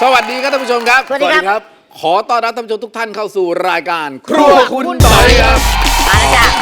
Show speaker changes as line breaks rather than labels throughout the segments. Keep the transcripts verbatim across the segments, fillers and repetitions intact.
สวัสดีครับท่านผู้ชมครับ
สวัสดีครับ
ขอต้อนรับท่านผู้ชมทุกท่านเข้าสู่รายการครัวคุณต่อยครับ
มาแล้วจ้ะ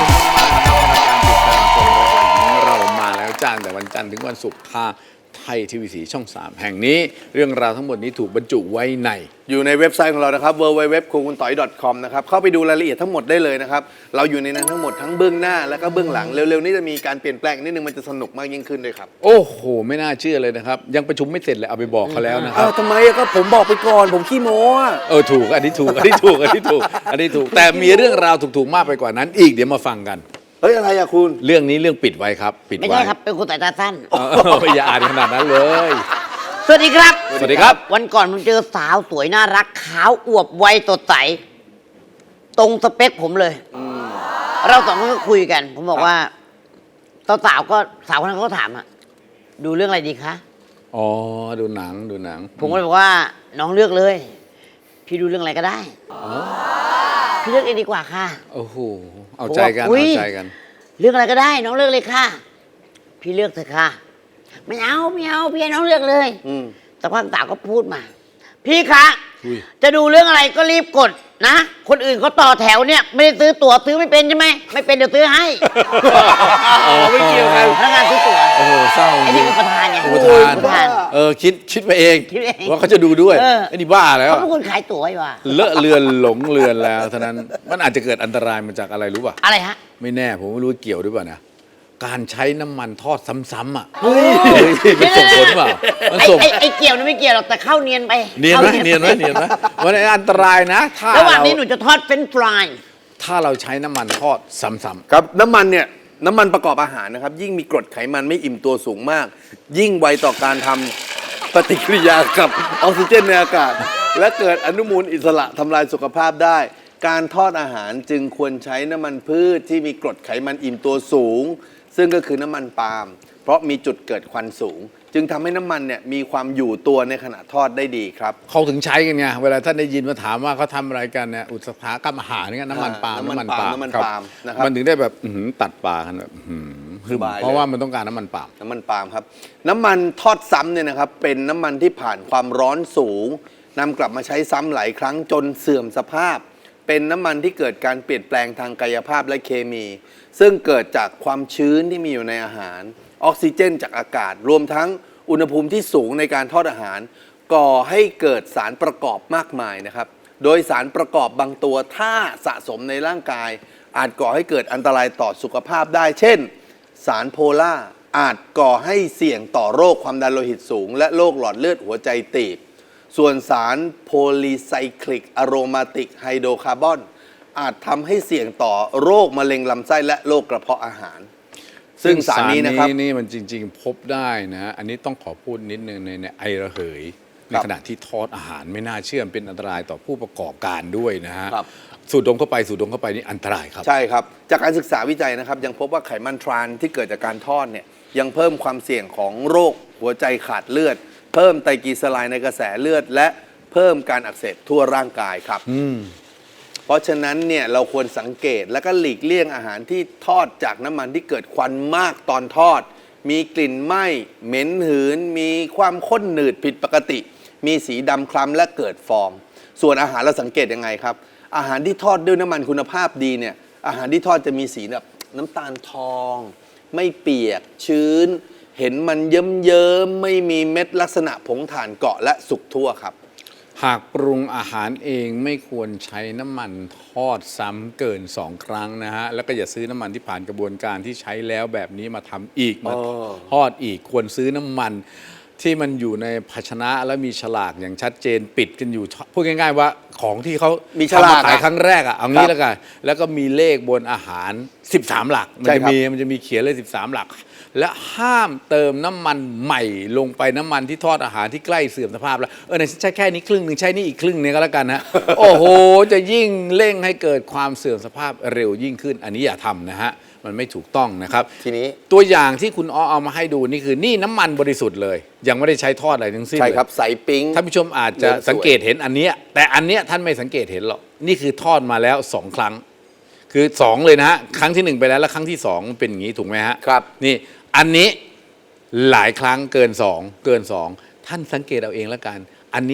เรามาแล้วจ้างแต่วันจันทร์ถึงวันศุกร์ทางไทยทีวีสีช่องสามแห่งนี้เรื่องราวทั้งหมดนี้ถูกบรรจุไว้ใน
อยู่ในเว็บไซต์ของเรานะครับ ดับเบิลยู ดับเบิลยู ดับเบิลยู ดอท ครัวคุณต่อย ดอท คอม นะครับเข้าไปดูรายละเอียดทั้งหมดได้เลยนะครับเราอยู่ในนั้นทั้งหมดทั้งเบื้องหน้าและก็เบื้องหลังเร็วๆนี้จะมีการเปลี่ยนแปลงนิดนึงมันจะสนุกมากยิ่งขึ้นด้วยครับ
โอ้โหไม่น่าเชื่อเลยนะครับยังประชุมไม่เสร็จเลยเอาไปบอกเขาแล้วนะค
อ้า
รับ
วทำไมอะก็ผมบอกไปก่อนผมขี้โม้อะ
เออถูกอันนี้ถูกอันนี้ถูกอันนี้ถูกอันนี้ถูกแต่มีเรื่องราวถูกๆมากไปกว่านั้นอีกเดี๋ยวมาฟังกัน
เฮ้ยอะไรอะคุณ
เรื่องนี้เรื่องปิดไว้ครับปิด
ไม่
ไว้
ใช่ครับ เป็นคนสายตาสั้น
เอออย่าอ่านขนาดนั้นเลย
สวัสดีครับ
สวัสดีครับ
วันก่อนผมเจอสาวสวยน่ารักขาวอวบวัยสดใส ตรงสเปคผมเลย เราสองคนก็คุยกัน ผมบอกว่าสาวๆก็สาวคนนั้นเขาก็ถามอะดูเรื่องอะไรดีคะ
อ๋อดูหนังดูหนัง
ผมก็เลยบอกว่าน้องเลือกเลย พี่ดูเรื่องอะไรก็ได้ พี่เลือกเองดีกว่าค่ะ
โอ้โหเอาใจกัน
ผมว่าอุ๊ย
เอาใจกัน
เรื่องอะไรก็ได้ น้องเลือกเลยค่ะ พี่เลือกเถอะค่ะ ไม่เอาไม่เอาพี่ให้น้องเลือกเลย
อืม
แต่พักสาวก็พูดมา พี่คะ
อุ้ย
จะดูเรื่องอะไรก็รีบกดนะ คนอื่นเขาต่อแถวเนี่ยไม่ได้ซื้อตั๋วซื้อไม่เป็นใช่ไหมไม่เป็นเดี๋ยวซื้อให้
อ๋อไม่เกี่ยวกัน
พนักงานซื้อตั๋ว
โอ้โหเศร้า
ไอ้นี่เป็นประธานไง
อุปทาน
ประธาน
เออคิดคิดไปเอง
คิดเอง
ว่าเขาจะดูด้วย
เออ
ไอ้นี่บ้าแล้ว
เขาเป็นคนขายตั๋วไอ้ว่ะ
เลอะเลือนหลงเลือนแล้วเท่านั้นมันอาจจะเกิดอันตรายมาจากอะไรรู้ป่ะ
อะไรฮะ
ไม่แน่ผมไม่รู้ว่าเกี่ยวด้วยป่ะนะการใช้น้ำมันทอดซ้ำๆอ่ะ
เฮ้ย
เฮ้ยมันส่งผลเปล่ามัน
ไอ้
ส่ง
ไอ้ไอ้เกี่ยวนี่ไม่เกี่ยวหรอกแต่เข้าเนียนไป
เนียนไหม
ข้า
เนียนไหมเนียนไหมมันอันตรายนะถ้า
ระหว่าง
เรา
นี้หนูจะทอดเฟรนช์ฟราย
ถ้าเราใช้น้ำมันทอดซ้ำ
ครับน้ำมันเนี่ยน้ำมันประกอบอาหารนะครับยิ่งมีกรดไขมันไม่อิ่มตัวสูงมาก ยิ่งไวต่อการทำปฏิกิริยากับออกซิเจนในอากาศ และเกิดอนุมูลอิสระทำลายสุขภาพได้ การทอดอาหารจึงควรใช้น้ำมันพืชที่มีกรดไขมันอิ่มตัวสูง ซึ่งก็คือน้ำมันปาล์มเพราะมีจุดเกิดควันสูง จึงทำให้น้ำมันเนี่ยมีความอยู่ตัวในขณะทอดได้ดีครับ
ๆเขาถึงใช้กันไงเวลาท่านได้ยินมาถามว่าเขาทำอะไรกันเนี่ยอุตสาหกรรมอาหารเนี่ยน้ำมันปาล์ม
น้ำมันปาล์มน้ำมัน
ครับ
ปาล์มนะครับ
มันถึงได้แบบอื้อหือตัดปลากันแบบอื้อหือคือ
สบายเลย
เพราะว่ามันต้องการน้ำมันปาล์ม
น้ำมันปาล์มครับ น้ำมันทอดซ้ำเนี่ยนะครับเป็นน้ำมันที่ผ่านความร้อนสูงนำกลับมาใช้ซ้ำหลายครั้งจนเสื่อมสภาพ เป็นน้ำมันที่เกิดการเปลี่ยนแปลงทางกายภาพและเคมี ซึ่งเกิดจากความชื้นที่มีอยู่ในอาหารออกซิเจนจากอากาศ รวมทั้งอุณหภูมิที่สูงในการทอดอาหาร ก่อให้เกิดสารประกอบมากมายนะครับโดยสารประกอบบางตัวถ้าสะสมในร่างกาย อาจก่อให้เกิดอันตรายต่อสุขภาพได้เช่น สารโพล่าอาจก่อให้เสี่ยงต่อโรคความดันโลหิตสูง และโรคหลอดเลือดหัวใจตีบ ส่วนสารโพลีไซคลิกอะโรมาติกไฮโดรคาร์บอนอาจทำให้เสี่ยงต่อโรคมะเร็งลำไส้และโรคกระเพาะอาหาร ซึ่งสารนี้นะครับ
นี่มันจริง ๆ พบได้นะอันนี้ต้องขอพูดนิดนึงในในไอระเหยในขณะที่ทอดอาหารไม่น่าเชื่อมเป็นอันตรายต่อผู้ประกอบการด้วยนะฮะ
ครับ
สูดดมเข้าไปสูดดมเข้าไปนี่อันตรายครับ
ใช่ครับ จากการศึกษาวิจัยนะครับ ยังพบว่าไขมันทรานที่เกิดจากการทอดเนี่ยยังเพิ่มความเสี่ยงของโรคหัวใจขาดเลือด เพิ่มไตรกลีเซอไรด์ในกระแสเลือด และเพิ่มการอักเสบทั่วร่างกายครับ เพราะฉะนั้นเนี่ยเราควรสังเกตและก็หลีกเลี่ยงอาหารที่ทอดจากน้ำมันที่เกิดควันมากตอนทอด มีกลิ่นไหม้เหม็นหืน มีความข้นหนืดผิดปกติ มีสีดำคล้ำและเกิดฟอง ส่วนอาหารเราสังเกตยังไงครับ อาหารที่ทอดด้วยน้ำมันคุณภาพดีเนี่ยอาหารที่ทอดจะมีสีแบบน้ำตาลทอง ไม่เปียกชื้น เห็นมันเยิ้มๆไม่มีเม็ดลักษณะผงถ่านเกาะและสุกทั่วครับ
หากปรุงอาหารเองไม่ควรใช้น้ำมันทอดซ้ำเกินสองครั้งนะฮะแล้วก็อย่าซื้อน้ำมันที่ผ่านกระบวนการที่ใช้แล้วแบบนี้มาทำอีกมา
อ๋อ
ทอดอีกควรซื้อน้ำมันที่มันอยู่ในภาชนะและมีฉลากอย่างชัดเจนปิดกันอยู่พูดง่ายๆว่าของที่เขา
มีฉ
ทำ
ลาม
าก ขาย
อะ
ครั้งแรกอ่ะเอางี้แล้วกันแล้วก็มีเลขบนอาหารสิบสามหลักมัน
ใช่
จะ
ครับ
มีมันจะมีเขียนเลยสิบสามหลัก และห้ามเติมน้ำมันใหม่ลงไปน้ำมันที่ทอดอาหารที่ใกล้เสื่อมสภาพแล้วเออเนี่ยใช้แค่นี้ครึ่งหนึ่งใช้นี่อีกครึ่งนึงก็แล้วกันนะ โอ้โหจะยิ่งเร่งให้เกิดความเสื่อมสภาพเร็วยิ่งขึ้น อันนี้อย่าทำนะฮะมันไม่ถูกต้องนะครับ
ทีนี้
ตัวอย่างที่คุณอ้อเอามาให้ดูนี่คือนี่น้ำมันบริสุทธิ์เลย ยังไม่ได้ใช้ทอดอะไรทั้งสิ้น
ใช่
เลย
ครับใสปิ๊ง
ท่านผู้ชมอาจจะ
เหลืองสวย
สังเกตเห็นอันเนี้ยแต่อันเนี้ยท่านไม่สังเกตเห็นหรอกนี่คือทอดมาแล้วสองครั้ง คือสองเลยนะฮะครั้งที่หนึ่งไปแล้วแล้วครั้งที่สองเป็นอย่างนี้ถูกไหมฮะ
ครับ
นี่อันนี้หลายครั้งเกินสองเกินสองท่านสังเกตเอาเองแล้วกัน อันนี้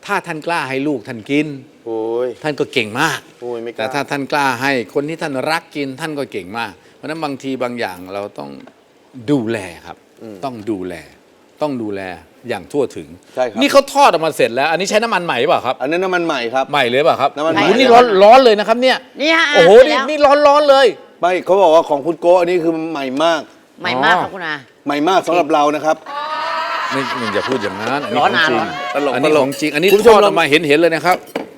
ถ้าท่านกล้าให้ลูกท่านกิน
โอ้ย
ท่านก็เก่งมาก
โอ้ยไม่กล้า
แต่ถ้าท่านกล้าให้คนที่ท่านรักกินท่านก็เก่งมาก เพราะฉะนั้นบางทีบางอย่างเราต้องดูแลครับ ต้องดูแล ต้องดูแลอย่างทั่วถึง
ใช่ครับ
นี่เขาทอดออกมาเสร็จแล้ว อันนี้ใช้น้ำมันใหม่เปล่าครับ
อันนั้นน้ำมันใหม่ครับ
ใหม่เลยเปล่าครับ
น้ำมันใหม่
โอ้โหนี่ร้อนร้อนเลยนะครับเนี่ย
นี่ฮะ
โอ้โห
เสร็จ
นี่
แล้ว
นี่ร้อนร้อนเลย
ไม่เขาบอกว่าของคุณโก้อันนี้คือใหม่มาก
ใหม่มากครับคุณอา
ใหม่มากสำหรับเรานะครับ
ไม่ไม่อย่าพูดอย่างนั้น
ร้อน
ขงจริง
อ่ะร้อน
ตลก
อันนี้
ตลก
ของจริง อันนี้
คุณผู้
ท
ชม
อดอ
ลอ
อง กมาเห็นเห็นเลยนะครับ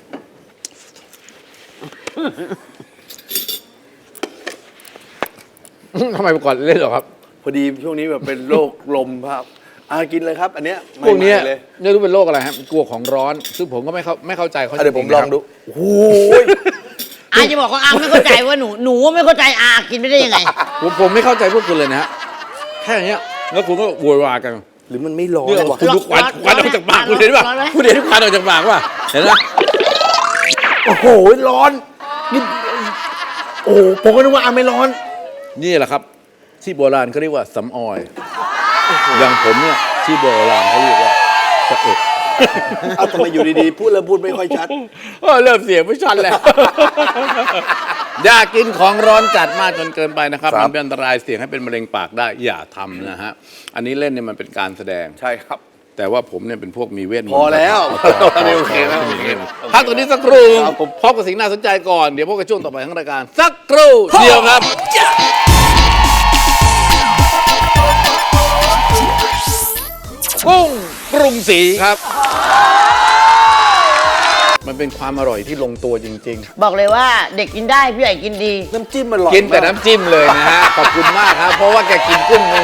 ทำไมก่อนเล่นเหรอครับ
พอดีช่วงนี้แบบเป็นโรคลมครับอากินเลยครับ อันเนี้ย
พวกเนี้ย
ใหม่ๆเลย
ไม่รู้เป็นโรคอะไรครับกลัวของร้อน ซึ่งผมก็ไม่เข้าไม่เข้าใจเขา
อ่ะเดี๋ยวผม
จริๆ
ล
นะ
อง
ครับ
ดูโอ้โห
อาจะบอกว่าอาไม่เข้าใจว่าหนูหนูไม่เข้าใจอากินไม่ได้ยังไง
ผมผมไม่เข้าใจพวกคุณเลยนะฮะแค่เนี้ยแล้วคุณก็โวยวายกัน
หรือมันไม่ร้อน
เนี่ย
วะ
คุณดูควัน
ร้อน
ควันออกจากปาก
ร้อน
คุณเห็นป่ะ
ร้อนไหม
คุณเห็นควันออกจากปากป่ะเห็นไหม
โอ้โหร้อนนี่โอ้โหผมก็นึกว่าอาไม่ร้อน
นี่แหละครับ ที่โบราณเขาเรียกว่าสำออยอย่างผมเนี่ยที่โบราณเขาเรียกว่าสะเอ็ด
เอาทำไมอยู่ดีๆ พูดแล้วพูดไม่ค่อยชัด
เออเริ่มเสียงไม่ชัดแล้ว อย่ากินของร้อนจัดมากจนเกินไปนะครับ
ครับ
มันเป็นอันตรายเสี่ยงให้เป็นมะเร็งปากได้อย่าทำนะฮะอันนี้เล่นเนี่ยมันเป็นการแสดง
ใช่ครับ
แต่ว่าผมเนี่ยเป็นพวกมีเวทมนต์
พอแล้ว
พอพอ
อันนี้โอเคแล้ว
มีเวทมนต์พักตัวนี้สักครู่
ครับผม
พบกับสิ่งน่าสนใจก่อนเดี๋ยวพบกับช่วงต่อไปของรายการสักครู่เดียวครับ กุ้งปรุงสีครับ มันเป็นความอร่อยที่ลงตัวจริง
บอกเลยว่าเด็กกินได้ผู้ใหญ่กินดี
น้ำจิ้มมันอร่อย
ๆ กินแต่
มาก
น้ำจิ้มเลยนะฮะ ขอบคุณมากครับ เพราะว่าแกกินกุ้งไม่